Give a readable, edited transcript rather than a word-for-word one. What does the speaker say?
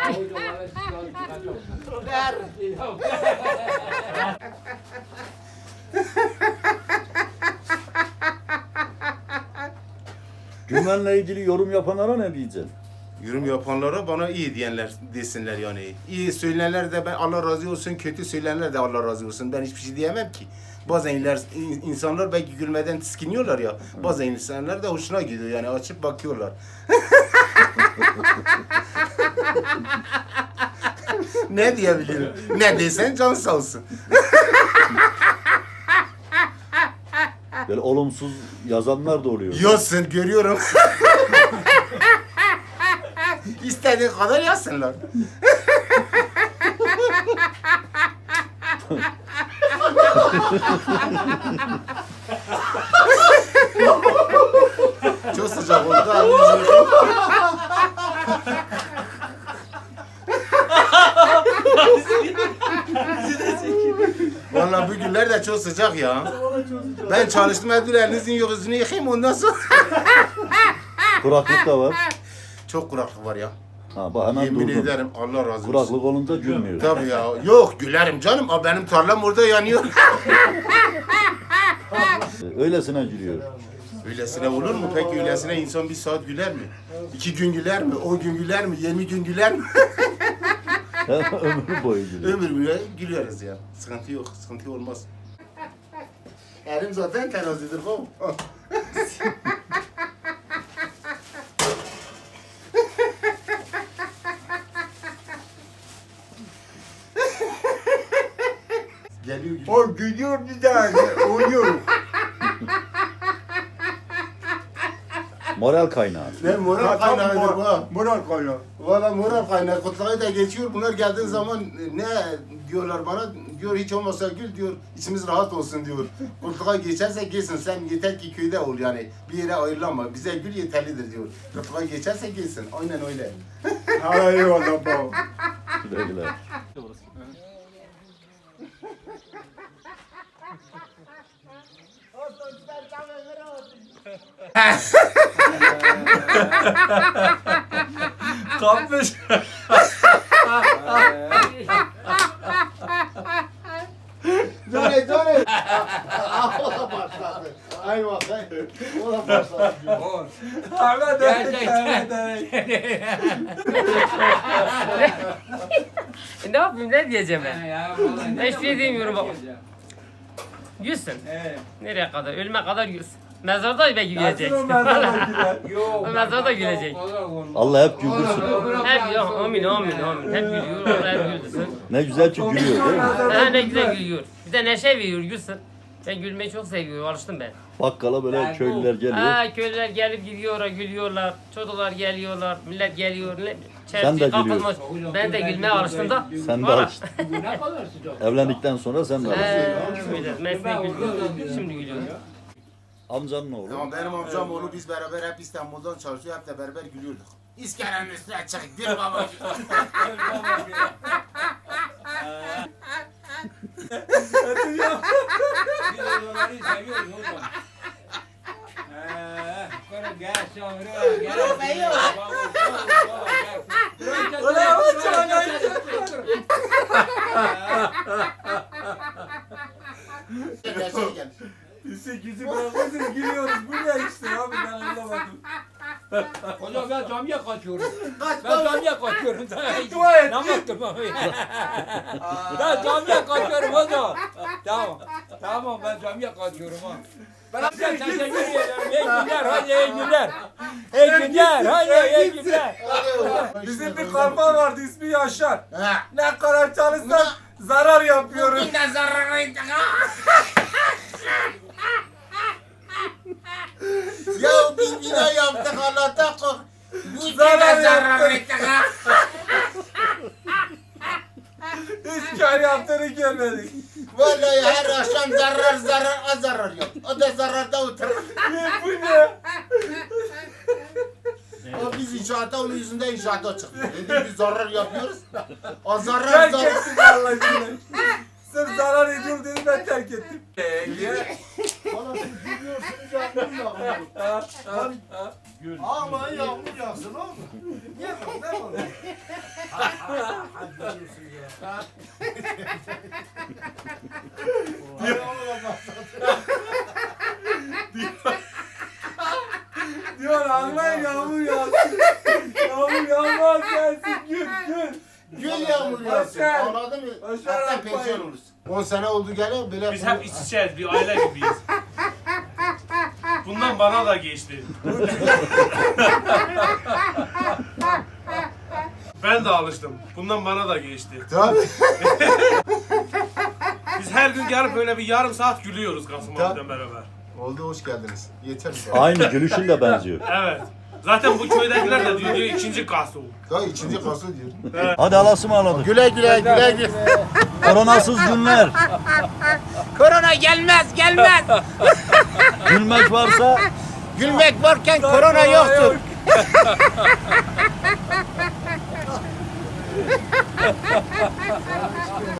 Güvenle ilgili yorum yapanlara ne diyeceksin? Yorum yapanlara bana iyi diyenler desinler yani. İyi söyleyenler de ben Allah razı olsun, kötü söyleyenler de Allah razı olsun. Ben hiçbir şey diyemem ki. Bazen insanlar belki gülmeden tiskiniyorlar ya. Bazen insanlar da hoşuna gidiyor yani açıp bakıyorlar. Ne diyebilirim? Ne desen can sağ olsun. Böyle olumsuz yazanlar da oluyor. Yazsın görüyorum. İstediği kadar yazsınlar. Çok sıcak oldu. Vallahi bu günler de çok sıcak ya. Ben çalıştım Abdül elinizin yok yüzünü yıkayayım ondan sonra. Kuraklık da var. Çok kuraklık var ya. Ha bak hemen Yemin durdun. ederim Allah razı olsun. Kuraklık olunca gülmüyor. Tabii ya. Yok gülerim canım. Aa, benim tarlam orada yanıyor. Öylesine gülüyor. Öylesine olur mu? Peki öylesine insan bir saat güler mi? 2 gün güler mi? 10 gün güler mi? 20 gün güler mi? Ömür boyu gülüyor. Ömür boyu gülüyoruz ya. Sıkıntı yok. Sıkıntı olmaz. Elim zaten terazidir. Geliyor gibi. O gülüyor bir daha uyuyor. Moral kaynağı. Ne moral kaynağıdır bu ha. Moral kaynağı. Valla moral kaynağı. Kutlayı da geçiyor. Bunlar geldiği zaman ne diyorlar bana? Diyor hiç olmasa gül diyor. İçimiz rahat olsun diyor. Kutluğa geçerse geçsin. Sen yeter ki köyde ol yani. Bir yere ayrılama. Bize gül yeterlidir diyor. Kutluğa geçerse geçsin. Aynen öyle. Ha eyvallah baba. Güle güle. Kapmış. Döne döne. O da başladı. Ay bakayım. O da başladı. Ahmet Ne yapayım, ne diyeceğim ben? Ben hiçbir şey diyemiyorum bak. Gülsün. Nereye kadar? Ölüme kadar gülsün. Mezarda belki gülecek. O mezarda gülecek. Allah hep güldürsün. Hep ya, amin amin amin. Hep gülüyor, hep güldürsün. Ne güzel ki gülüyor değil mi? Ha, ne güzel gülüyor. Bir de neşe veriyor, gülsün. Ben gülmeyi çok seviyorum, alıştım ben. Bakkala böyle köylüler geliyor. Ha, köylüler gelip gidiyorlar, gülüyorlar. Çocuklar geliyorlar, millet geliyor. Sen de kapılmış. Ben de gülmeye alıştım da. Sen de Valla. alıştın. Evlendikten sonra sen de alıştın. Mesleği gülüyorum, şimdi gülüyorum. Amcanın oğlu. Tamam benim amcam oğlu biz beraber hep İstanbul'dan çalışıyor. Hep de beraber gülüyorduk. İskelenin üstüne çık gül baba. Biz 8'i bırakmışız gülüyoruz. Bu ne işte abi ben anlamadım. Hocam ben camiye kaçıyorum. Ben camiye kaçıyorum. Dua et. Namaz kılmam. Ben camiye kaçıyorum hocam. Tamam. Tamam ben camiye kaçıyorum ha. Ben size teşekkür ederim. İyi günler hadi iyi günler. İyi günler hadi iyi günler. Bizim bir kalma vardı ismi Yaşar. Ha. Ne kadar çalışsak zarar yapıyoruz. Bir de zararı Ya bir bina yaptık Allah'tan kork. Bir Zarar de zarar yaptık. ettik ha. Hiç kar yaptığını görmedik. Vallahi her akşam zarar zarar yok. O da zararda oturur. Bu ne? O biz inşaatta onun yüzünden inşaata çıktık. Dedik biz zarar yapıyoruz. O zarar Terk zarar. ettim vallahi billahi. Sırf zarar ediyor dedim ben terk ettim. Bana siz gülüyorsunuz yağmur yağmur. Ağlayın yağmur yağsın oğlum. Niye bu? Ne bu? Diyor Allah yağmur yağsın. Yağmur yağmaz gelsin gül gül. Gül yağmur yağsın. Başar. Anladın mı? Başar Hatta yapmayın. pensiyon olursun. 10 sene oldu gene böyle. Biz hep iç içeyiz, bir aile gibiyiz. Bundan bana da geçti. Ben de alıştım. Bundan bana da geçti. Tabii. Biz her gün gelip böyle bir yarım saat gülüyoruz Kasım Tabii. abiyle beraber. Oldu, hoş geldiniz. Yeter bize. Aynı gülüşün de benziyor. Evet. Zaten bu köydekiler de diyor ikinci Kasım. Daha ikinci kası diyor. Hadi Allah'a ısmarladık. Güle güle güle güle. Koronasız günler. Korona gelmez gelmez. Gülmek varsa Gülmek varken korona yoktur.